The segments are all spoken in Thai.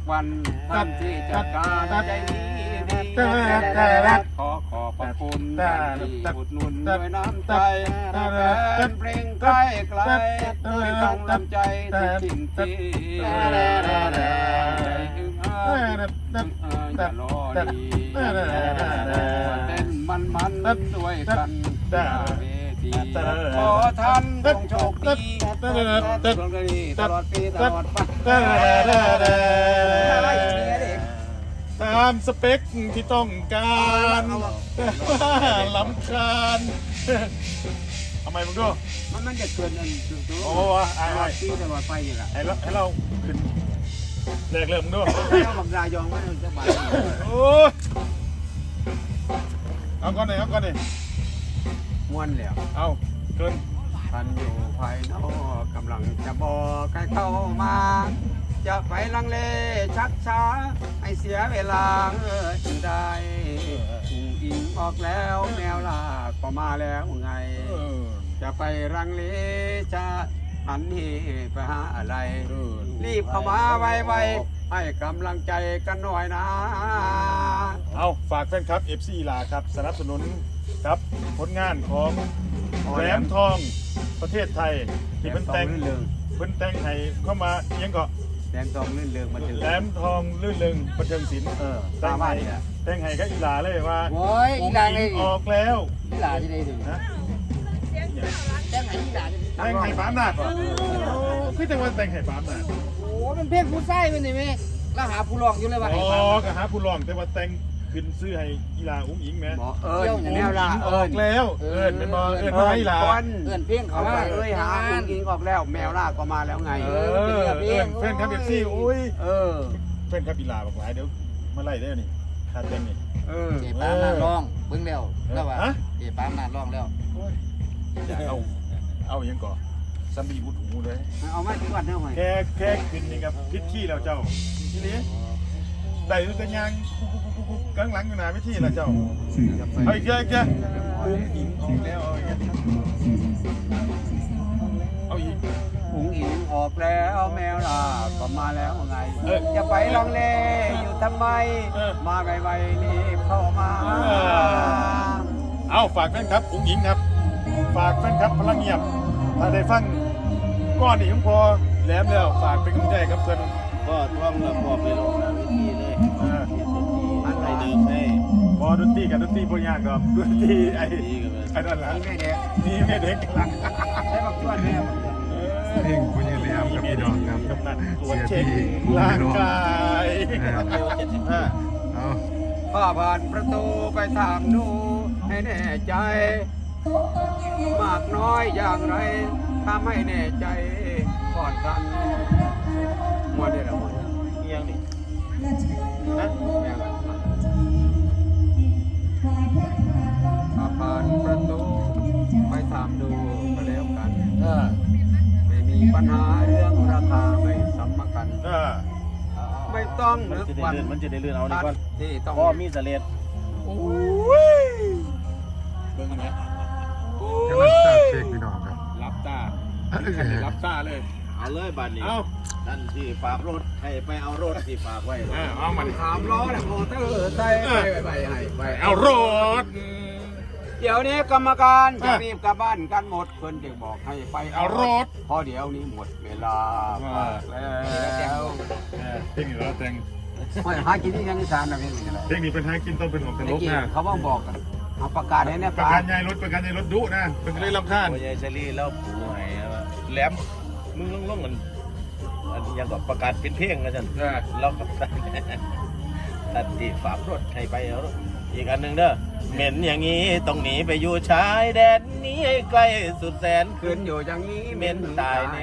วันที่จัดการใจนี้ขอขอบพระคุณที่อุดหนุนด้วยน้ำใจแฟนเพลงใกล้ไกลด้วยกำลังใจที่จริงที่อย่ารอดีเต้นมันด้วยกันเวทีขอท่านจงโชคดีตลอดปีตลอดไปตามสเปคที่ต้องการล้ำคาญทำไมมึงดูมันจะเกินอันโอ้วไอ้ปีตลอดไปนี่แหละให้เราขึ้นแรกเริ่มมึงดูเอาบังรายองไว้จะบาดโอ้เอาก่อนเลยม้วนแล้วเอาเกินท่านอยู่ภายนอกกำลังจะบอกให้เข้ามาจะไปลังเลชักช้าให้เสียเวลาจึงได้อิงออกแล้วแมวลาก็มาแล้วไงจะไปลังเลจะหันนี่ไปหาอะไรรีบเข้ามาไวๆให้กำลังใจกันหน่อยนะเอาฝากแฟนคลับ FC ลาครับสนับสนุนครับผลงานของแหลมทองประเทศไทยที่เพิ่นแต่งให้เข้ามาเอียงก็แหลมทองลื่นเริงบันเทิงแหลมทองลื่นเริงบันเทิงศิลป์แต่งให้ก็อีหลาเลยว่าโอ้ยอีหลาเลยออกแล้วอีหลาจะได้ถึงนะแต่งให้อีหลาแต่งให้ปามนาดคือแต่ว่าแต่งให้ปามนาดโอ้เป็นเพื่อนผู้ชายเป็นนี่ไหมแล้วหาผู้ร้องอยู่เลยว่าอ๋อก็หาผู้ร้องแต่ว่าแต่งขึ้นซื้อให้อีหลาอุ้งอิงแม่แนวลาออกแล้วเป็นบ่มาอีหลาเพียงเขาว่าหาอุ้งอิงออกแล้วแมวล่าก็มาแล้วไงแฟนครับเอฟซีอุ้ยแฟนครับอีหลาบอกว่าเดี๋ยวมาไล่ได้นี่คาเต็งนี่เจ็บปามนาร้องเบิ่งแล้วแล้วว่าเจ็บปามนาร้องแล้วอย่าเอายังก่อซัมบี้บุดหูเลยเอามาที่วัดเท่าไหร่แค่ขึ้นนี่ครับพิษขี้แล้วเจ้าทีนี้ได้รู้แต่ยังกลางหลังอยู่หน้าวิธีละเจ้าเอาอีกเยอะอุ้งอิงออกแล้วเอาอีกอุ้งอิงออกแล้วแมวล่ะก็มาแล้วไงจะไปลองเล่อยู่ทำไมมาไวๆรีบเข้ามาเอาฝากแฟนครับอุ้งอิงครับฝากแฟนครับพลังเงียบถ้าได้ฟังก้อนนี่ผมพอแหลมแล้วฝากเป็นกำลังใจครับเพื่อนก็ท่องแล้วพอไปลงวิธีเลยมันไปเดิมให้พอดนตรีกับดนตรีพยางกับดนตรีไอ้นั่นแหละนี่แม่เด็กหลังใช้บักชวนแม่เพลงคุณยังเลี้ยงกับพี่น้องครับกำนันตัวเช็คร่างกายข้าผ่านประตูไปถามดูให้แน่ใจมากน้อยอย่างไรถ้าไม่แน่ใจก่อนกันมัวเดี๋ยวมันยังนี่นะข้าผ่านประตูไปถามดูมาแล้วกันไม่มีปัญหาเรื่องราคาไม่สมกันไม่ต้องนึกวันมันจะได้เลื่อนเอาดีกว่าที่ต้องก็มีเสลียดโอ้ยเบิ่งไหมกำลังทราบเช็คพี่น้องครับรับตารับตาเลยเอาเลยบัตรนี้ท่านที่ฝากรถให้ไปเอารถที่ฝากไว้เอามาดิ 3 ล้อเนี่ยโมเตอร์ใส่ไปให้เอารถเดี๋ยวนี้กรรมการจะรีบกลับบ้านกันหมดเพิ่นจะบอกให้ไปเอารถพอเดี๋ยวนี้หมดเวลาแล้วเพลงนี้เราแต่งไม่หากินที่ยังอีสานนะเพลงนี้อะไรเพลงนี้เป็นหากินต้องเป็นของตลกนะเขาบอกกันเอาประกาศให้เนี่ยประกันยายรถดุนะเป็นเรื่องลำคาญยายเชลี่แล้วปูไหแหลมมึงลงเหมือนยังกับประกาศเป็นเพลงนะจันแล้วกับตัดที่ฝากรถให้ไปเอาอีกอันหนึ่งเด้อเหม็นอย่างนี้ต้องหนีไปอยู่ชายแดนนี้ให้ไกลสุดแสนขึ้นอยู่อย่างนี้เหม็นตายแน่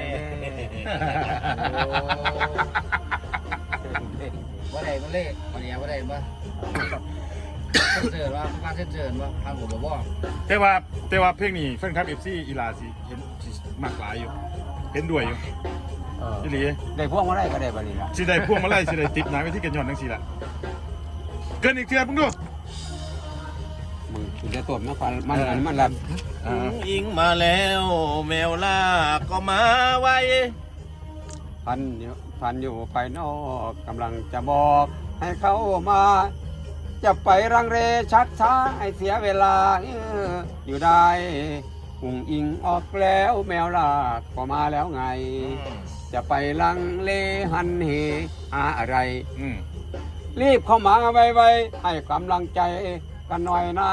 ว่าใดมันเล่วันนี้ว่าใดบ้างเจอว่าบ้านเจอว่าทางผมบอกว่าแต่ว่าเพลงนี้แฟนคลับ FC อีลาสิเห็นมากหลายอยู่เห็นด้วยอยู่อีหลีได้พวงมาไล่ก็ได้บัดนี้ละสิได้พวงมาไล่สิได้ติดหนาไว้ที่กันย้อนจังซี่ล่ะเกินอีกเทื่อมึงดูมึงจะตบนะฟันมันลันอิงมาแล้วแมวล่าก็มาไวพันเดี๋ยวพันอยู่ภายนอกกำลังจะบอกให้เขามา จะไปรังเรชักช้าให้เสียเวลาอยู่ได้หุ่งอิงออกแล้วแมวลากก็มาแล้วไง จะไปลังเลหันเหอะไร รีบเข้ามาไวๆให้กำลังใจกันหน่อยนะ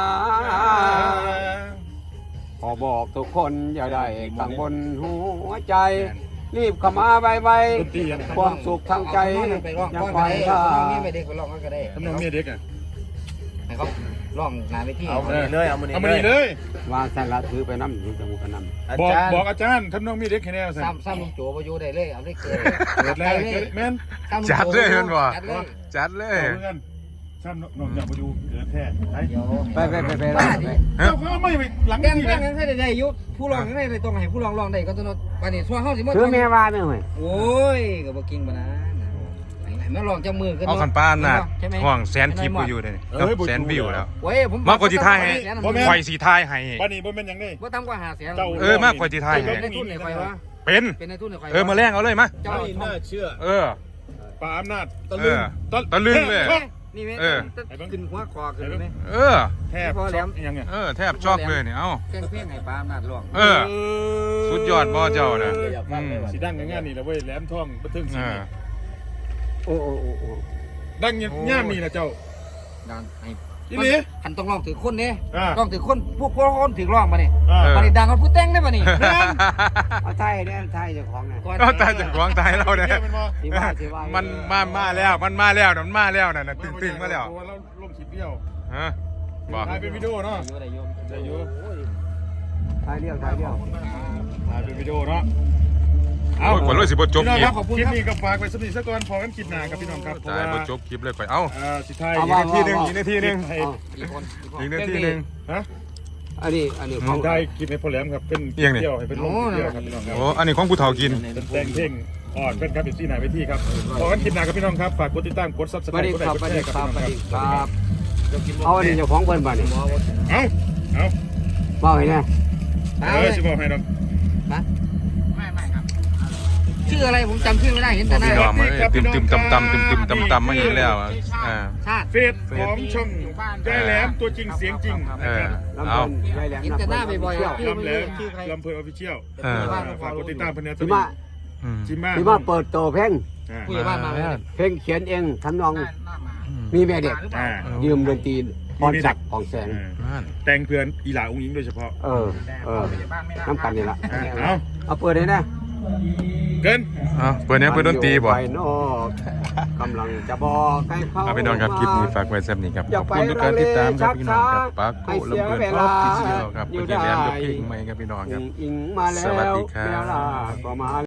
ขอบอกทุกคนอย่าได้กังวลหัวใจ รีบเข้ามาไวๆความสุขทางใจอย่าปล่อยท่านี่ไม่เด็กไปลองก็ได้ทำนองเมียเด็กอ่ะให้เขาลองงานไปที่เอามานี่เลยเอามาเอามานี่เลยวางสารถือไปน้ำอยู่จมูกกันน้ำอาบอกจารย์บอกอาจารย์ทำนองเมียเด็กแค่แนวสิซ้ำลุงโจไปอยู่ได้เลยเอาได้เกิดเกิดแล้วแม่นจัดเลยเห็นบ่จัดเลยจัดเลยเอาเพื่อนซ้ำน้องอยากมาดูเกิดแท้ไปเดี๋ยวไปเจ้าเขาไม่ไปหลังแบ่งนี่แบ่งนะให้ได้ยุผู้ร้องให้ได้ต้องให้ผู้ร้องร้องได้ก็ต้องวันนี้ช่วงเฮาสิมาถือเมียว่าไม่ห่วยโอ้ยก็บ่กิ่งบ่นะไหนมาลองจับมือกันเอาขันป้านน่ะใช่ไหมห่วงแสนคลิปกูอยู่เลยแสนวิวแล้วโอ้ยผมมากกว่าที่ไทยให้ ไฟสีทายให้บ้านนี้บ่แม่นหยังนี่บ่ทำกว่า500,000 มากกว่าที่ไทยให้ในทุนในไฟวะเป็นเป็นในทุนในไฟมาแรงเอาเลยมาเจ้าไม่น่าเชื่อป่าอำนาจเออตะลึงเลยนี่แม่ขึ้นหัวคอขึ้นไหมแทบช็อกยังไงแทบชอบเลยเนี่ยเอ้าแกงเพี้ยนให้ปลาอำนาจร้องสุดยอดบ่เจ้านะสีดังงานนี่แหละเว้ยแหลมทองบันทึกสีโอ้ดังย่ามนี่นะเจ้าดังให้อีหลีหันต้องร้องถือคนเนี่ยอ่าร้องถือคนพวกคนถือร้องมาเนี่ยอ่ามาเนี่ยดังกันผู้แต่งได้ป่ะนี่เอาไทยเนี่ยไทยเจ้าของเนี่ยก็ตายจากหวงตายเราเนี่ยที่ว่าที่ว่ามันมาแล้วมันมาแล้วน่ะตึงมาแล้วเราลงคลิปเดียวฮะบอกถ่ายเป็นวิดีโอเนาะได้โยมได้อยู่ไทยเดียวถ่ายเป็นวิดีโอเนาะเอาขวัญรวยสิบจบพี่น้องคคลิรัปบคลิปนี้ก็ฝากไว้สักนิดสักก่อนพอกันคลิปหน้าครับพี่น้องครับเพราะตายว่าบจบคลิปเลยก่อยเอ้าสุดท้ายอีกนาทีหนึ่งให้กี่คนอีกนาทีหนึ่งฮะอันนี้ขสุองดท้ายคลิปให้พ่อแหลมครับเป็นเอียงนี่เที่ยวให้เป็นลงเที่ยวครับพี่น้องครับโอ้อันนี้ของผู้เฒ่ากินเป็นแต่งเพลงอ่อนเป็นครับเป็นที่ไหนไปที่ครับพอกันคลิปหน้าครับพี่น้องครับฝากกดติดตามกดซับสไคบัรดต์นี้กดไลครับค์กบัดดแชนี้ร์คครัรับบ พี่บัน้ดองคนี้รับครับเอาอันนี้เจ้าของเบิ้ลบัดนี้เอามาให้แน่สิบอกให้น้องไม่ครับชื่ออะไรผมจำชื่อไม่ได้เห็นแต่หน้าพี่น้องมาตึมตำมาอีกแล้วชาติเฟซของช่องใจแหลมตัวจริงเสียงจริงนะครับลำเอาเพิ่นไว้แหลมเห็นแต่หน้าบ่อยๆเที่ยวลำแหลมลำเพลินออฟฟิเชียลฝากกดติดตามเพื่อนนะที่มาจิมมาที่มาเปิดโตเพลงผู้ใหญ่บ้านมาเลยเพลงเขียนเองทำนองมีแม่เด็กยืมดนตรีพรศักดิ์ของแสงแต่งเพื่อนอีหลาองค์หญิงโดยเฉพาะน้ำกันนี่ละเอาเปิดเลยนะเกินเปิดเนี้ยเปิดดนตรีบ่ไปนอกกำลังจะบอกให้เขาเอาพี่น้องครับคลิปนี้ฝากไว้แซ่บนี้ครับขอบคุณทุกการติดตามครับพี่น้องครับปากโกลำเบิดออฟฟิเชียลครับคุณแย้มยกเพลงใหม่ครับพี่น้องครับอิงมาแล้วสวัสดีครับแมวลาก็มา